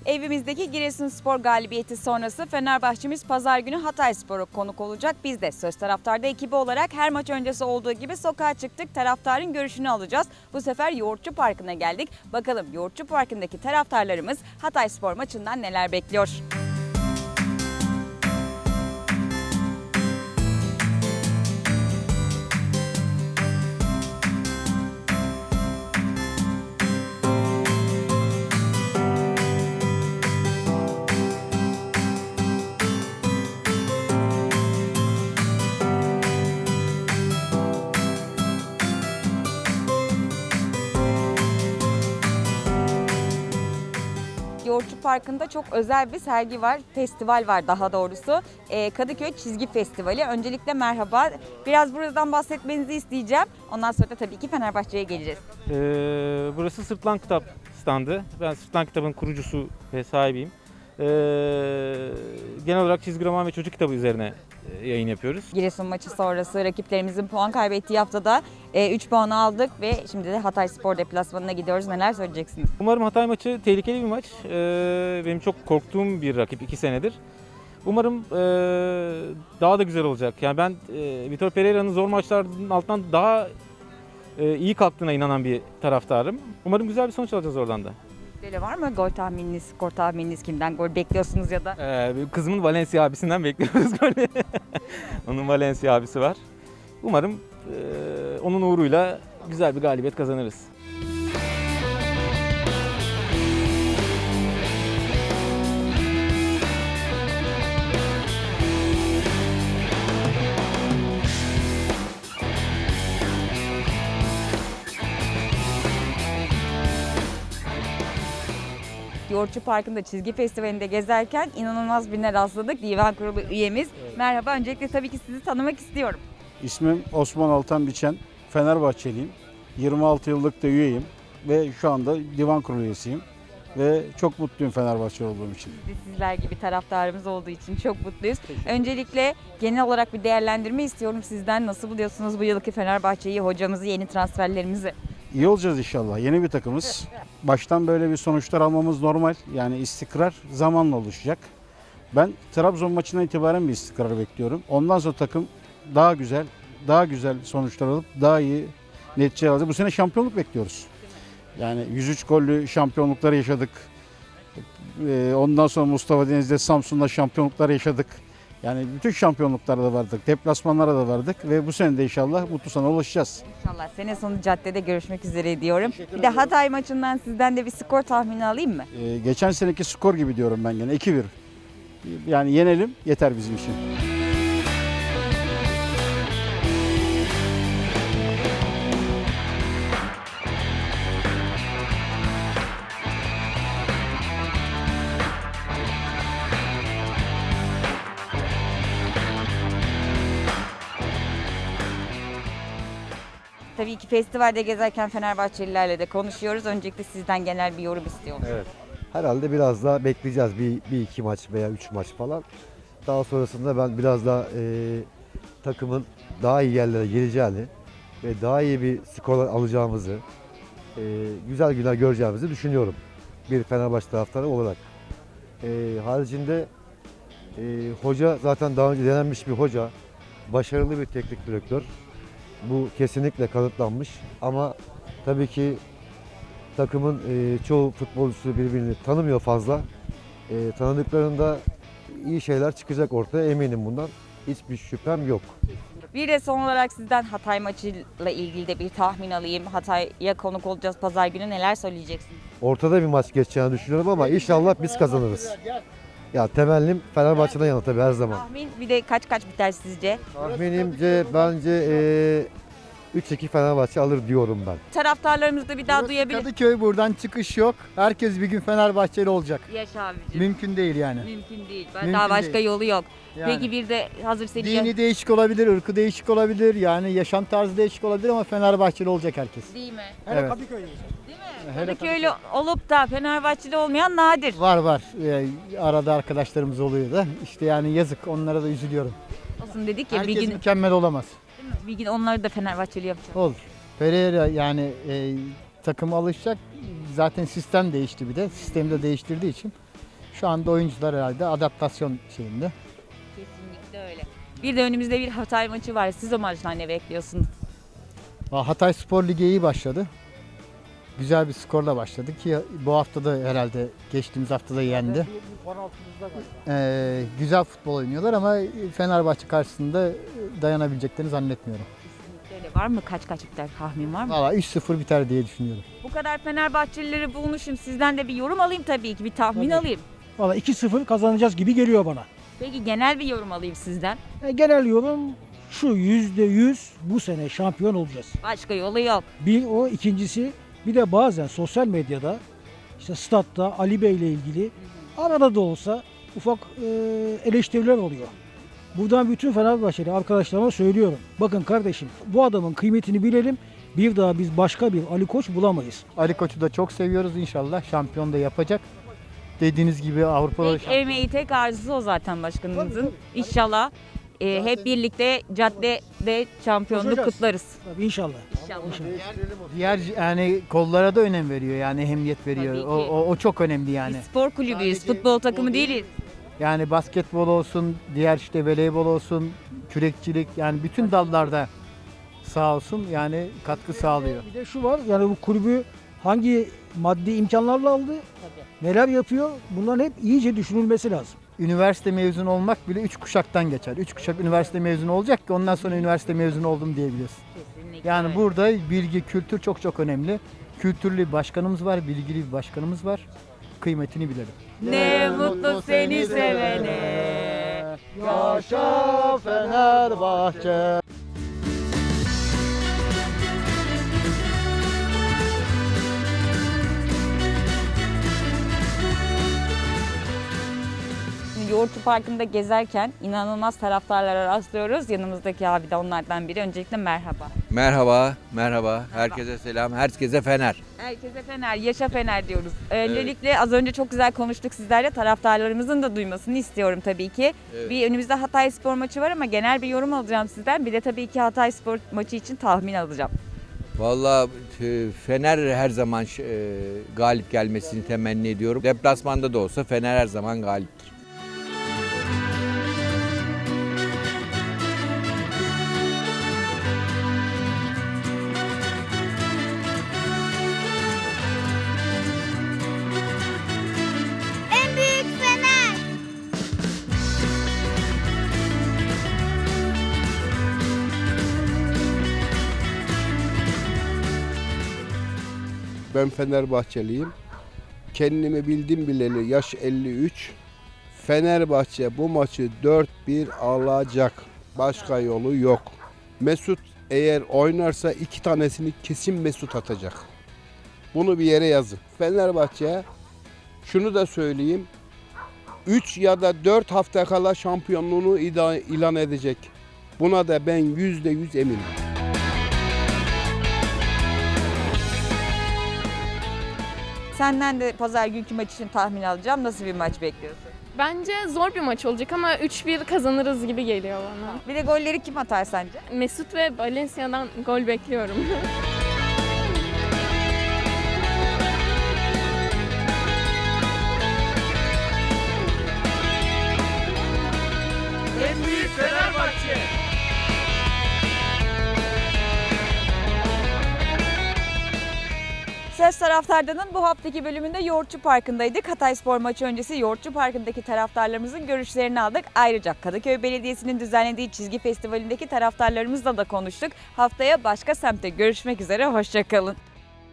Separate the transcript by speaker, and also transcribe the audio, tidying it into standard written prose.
Speaker 1: Evimizdeki Giresunspor galibiyeti sonrası Fenerbahçemiz pazar günü Hatayspor'u konuk olacak. Biz de Söz Taraftar'da ekibi olarak her maç öncesi olduğu gibi sokağa çıktık. Taraftarın görüşünü alacağız. Bu sefer Yoğurtçu Parkı'na geldik. Bakalım Yoğurtçu Parkı'ndaki taraftarlarımız Hatayspor maçından neler bekliyor? Yoğurtçu Parkı'nda çok özel bir sergi var, festival var daha doğrusu. Kadıköy Çizgi Festivali. Öncelikle merhaba. Biraz buradan bahsetmenizi isteyeceğim. Ondan sonra da tabii ki Fenerbahçe'ye geleceğiz.
Speaker 2: Burası Sırtlan Kitap standı. Ben Sırtlan Kitap'ın kurucusu ve sahibiyim. Genel olarak çizgi roman ve çocuk kitabı üzerine yayın yapıyoruz.
Speaker 1: Giresun maçı sonrası rakiplerimizin puan kaybettiği haftada 3 puan aldık ve şimdi de Hatayspor deplasmanına gidiyoruz. Neler söyleyeceksiniz?
Speaker 2: Umarım Hatay maçı tehlikeli bir maç. Benim çok korktuğum bir rakip 2 senedir. Umarım daha da güzel olacak. Yani ben Vitor Pereira'nın zor maçlarının altından daha iyi kalktığına inanan bir taraftarım. Umarım güzel bir sonuç alacağız oradan da.
Speaker 1: Böyle var mı gol tahmininiz, skor tahmininiz, kimden gol bekliyorsunuz ya da?
Speaker 2: Kızımın Valencia abisinden bekliyoruz golü. Onun Valencia abisi var. Umarım onun uğruyla güzel bir galibiyet kazanırız.
Speaker 1: Yoğurtçu Parkı'nda çizgi festivalinde gezerken inanılmaz birine rastladık. Divan Kurulu üyemiz. Evet. Merhaba, öncelikle tabii ki sizi tanımak istiyorum.
Speaker 3: İsmim Osman Altan Biçen, Fenerbahçeliyim. 26 yıllık da üyeyim ve şu anda divan kurulu üyesiyim. Ve çok mutluyum Fenerbahçe olduğum için.
Speaker 1: Biz de sizler gibi taraftarımız olduğu için çok mutluyuz. Öncelikle genel olarak bir değerlendirme istiyorum sizden. Nasıl buluyorsunuz bu yılki Fenerbahçe'yi, hocamızı, yeni transferlerimizi?
Speaker 3: İyi olacağız inşallah. Yeni bir takımız. Baştan böyle bir sonuçlar almamız normal. Yani istikrar zamanla oluşacak. Ben Trabzon maçından itibaren bir istikrar bekliyorum. Ondan sonra takım daha güzel sonuçlar alıp daha iyi neticeler alacak. Bu sene şampiyonluk bekliyoruz. Yani 103 gollü şampiyonlukları yaşadık. Ondan sonra Mustafa Deniz'de Samsun'da şampiyonluklar yaşadık. Yani bütün şampiyonluklarda vardık, deplasmanlara da vardık ve bu sene de inşallah mutlu sona ulaşacağız.
Speaker 1: İnşallah sene sonu caddede görüşmek üzere diyorum. Bir de Hatay maçından sizden de bir skor tahmini alayım mı?
Speaker 3: Geçen seneki skor gibi diyorum ben gene 2-1. Yani yenelim yeter bizim için.
Speaker 1: Tabii ki festivalde gezerken Fenerbahçelilerle de konuşuyoruz. Öncelikle sizden genel bir yorum istiyorum.
Speaker 4: Evet. Herhalde biraz daha bekleyeceğiz. Bir iki maç veya 3 maç falan. Daha sonrasında ben biraz daha takımın daha iyi yerlere geleceğini ve daha iyi bir skorlar alacağımızı, güzel günler göreceğimizi düşünüyorum. Bir Fenerbahçe taraftarı olarak. Haricinde hoca zaten daha önce denenmiş bir hoca. Başarılı bir teknik direktör. Bu kesinlikle kanıtlanmış ama tabii ki takımın çoğu futbolcusu birbirini tanımıyor fazla. Tanıdıklarında iyi şeyler çıkacak ortaya, eminim bundan. Hiçbir şüphem yok.
Speaker 1: Bir de son olarak sizden Hatay maçıyla ilgili de bir tahmin alayım. Hatay'a konuk olacağız pazar günü, neler söyleyeceksiniz?
Speaker 4: Ortada bir maç geçeceğini düşünüyorum ama inşallah biz kazanırız. Ya temennim Fenerbahçe'den yana tabii her zaman.
Speaker 1: Tahmin bir de kaç biter sizce?
Speaker 4: Tahminimce bence 3-2 Fenerbahçe alır diyorum ben.
Speaker 1: Taraftarlarımız da bir daha duyabilir.
Speaker 5: Kadıköy, buradan çıkış yok. Herkes bir gün Fenerbahçeli olacak.
Speaker 1: Yaş abicim.
Speaker 5: Mümkün değil yani.
Speaker 1: Mümkün değil.
Speaker 5: Mümkün
Speaker 1: Daha başka
Speaker 5: değil.
Speaker 1: yolu yok.
Speaker 5: Yani.
Speaker 1: Peki bir de hazır seni...
Speaker 5: Dini değişik olabilir, ırkı değişik olabilir. Yani yaşam tarzı değişik olabilir ama Fenerbahçeli olacak herkes.
Speaker 1: Değil mi?
Speaker 5: Evet.
Speaker 1: Değil mi?
Speaker 5: Hele
Speaker 1: Kadıköylü olup da Fenerbahçeli olmayan nadir.
Speaker 5: Var. Arada arkadaşlarımız oluyor da. İşte yani yazık, onlara da üzülüyorum.
Speaker 1: Olsun dedik ya
Speaker 5: Herkes
Speaker 1: bir gün,
Speaker 5: mükemmel olamaz.
Speaker 1: değil mi? Bir gün onları da Fenerbahçeli yapacağız.
Speaker 5: Olur. Pereira yani takım alışacak. Zaten sistem değişti bir de. Sistemi de değiştirdiği için Şu anda oyuncular herhalde adaptasyon şeyinde.
Speaker 1: Kesinlikle öyle. Bir de önümüzde bir Hatay maçı var. Siz o maçtan ne bekliyorsunuz?
Speaker 5: Hatay Spor Ligi iyi başladı. Güzel bir skorla başladı ki bu hafta da herhalde geçtiğimiz hafta da yendi. Güzel futbol oynuyorlar ama Fenerbahçe karşısında dayanabileceklerini zannetmiyorum.
Speaker 1: Kesinlikle öyle. Var mı kaç biter tahmin var mı?
Speaker 5: Valla 3-0 biter diye düşünüyorum.
Speaker 1: Bu kadar Fenerbahçelileri bulmuşum. Sizden de bir yorum alayım tabii ki. Bir tahmin
Speaker 6: Tabii.
Speaker 1: alayım.
Speaker 6: Valla 2-0 kazanacağız gibi geliyor bana.
Speaker 1: Peki genel bir yorum alayım sizden.
Speaker 6: Genel yorum şu, %100 bu sene şampiyon olacağız.
Speaker 1: Başka yolu yok.
Speaker 6: Bir o, ikincisi bir de bazen sosyal medyada işte statta Ali Bey ile ilgili arada da olsa ufak eleştiriler oluyor. Buradan bütün Fenerbahçeli arkadaşlarıma söylüyorum. Bakın kardeşim, bu adamın kıymetini bilelim. Bir daha biz başka bir Ali Koç bulamayız.
Speaker 5: Ali Koç'u da çok seviyoruz, inşallah şampiyon da yapacak. Dediğiniz gibi Avrupa'da
Speaker 1: Tek emeği, tek arzusu o zaten başkanımızın. İnşallah hep birlikte caddede şampiyonluk
Speaker 6: Koşacağız.
Speaker 1: kutlarız.
Speaker 6: Tabii inşallah.
Speaker 1: İnşallah.
Speaker 5: diğer yani kollara da önem veriyor, yani ehemmiyet veriyor.
Speaker 1: Tabii ki.
Speaker 5: O çok önemli yani.
Speaker 1: Biz spor kulübüyüz,
Speaker 5: Sadece
Speaker 1: futbol
Speaker 5: futbol
Speaker 1: takımı
Speaker 5: değil.
Speaker 1: değiliz.
Speaker 5: Yani basketbol olsun, diğer işte voleybol olsun, kürekçilik, yani bütün dallarda sağ olsun yani katkı sağlıyor.
Speaker 6: Bir de şu var, yani bu kulübü hangi maddi imkanlarla aldı, neler yapıyor, bunların hep iyice düşünülmesi lazım.
Speaker 5: Üniversite mezunu olmak bile 3 kuşaktan geçer. 3 kuşak üniversite mezunu olacak ki ondan sonra üniversite mezunu oldum diyebiliyorsun.
Speaker 1: Kesinlikle
Speaker 5: Yani
Speaker 1: öyle.
Speaker 5: burada bilgi, kültür çok çok önemli. Kültürlü bir başkanımız var, bilgili bir başkanımız var. Kıymetini bilelim.
Speaker 1: Ne mutlu seni sevene.
Speaker 5: Yaşa Fenerbahçe.
Speaker 1: Yoğurtçu Parkı'nda gezerken inanılmaz taraftarlara rastlıyoruz. Yanımızdaki abi de onlardan biri. Öncelikle merhaba.
Speaker 7: Merhaba. Herkese selam. Herkese Fener.
Speaker 1: Herkese Fener, yaşa Fener diyoruz. Öncelikle az önce çok güzel konuştuk sizlerle. Taraftarlarımızın da duymasını istiyorum tabii ki.
Speaker 7: Evet.
Speaker 1: Bir önümüzde Hatay Spor maçı var ama genel bir yorum alacağım sizden. Bir de tabii ki Hatay Spor maçı için tahmin alacağım.
Speaker 7: Vallahi Fener her zaman galip gelmesini temenni ediyorum. Deplasmanda da olsa Fener her zaman galiptir.
Speaker 8: En büyük Fener.
Speaker 9: Ben Fenerbahçeliyim. Kendimi bildim bileli yaş 53. Fenerbahçe bu maçı 4-1 alacak. Başka yolu yok. Mesut eğer oynarsa 2 tanesini kesin Mesut atacak. Bunu bir yere yazın. Fenerbahçe şunu da söyleyeyim. 3 ya da 4 hafta kala şampiyonluğunu ilan edecek. Buna da ben %100 eminim.
Speaker 1: Senden de pazar günkü maç için tahmin alacağım. Nasıl bir maç bekliyorsun?
Speaker 10: Bence zor bir maç olacak ama 3-1 kazanırız gibi geliyor bana.
Speaker 1: Bir de golleri kim atar sence?
Speaker 10: Mesut ve Valencia'dan gol bekliyorum.
Speaker 1: Söz Taraftar'danın bu haftaki bölümünde Yoğurtçu Parkı'ndaydık. Hatay Spor maçı öncesi Yoğurtçu Parkı'ndaki taraftarlarımızın görüşlerini aldık. Ayrıca Kadıköy Belediyesi'nin düzenlediği çizgi festivalindeki taraftarlarımızla da konuştuk. Haftaya başka semtte görüşmek üzere, hoşça kalın.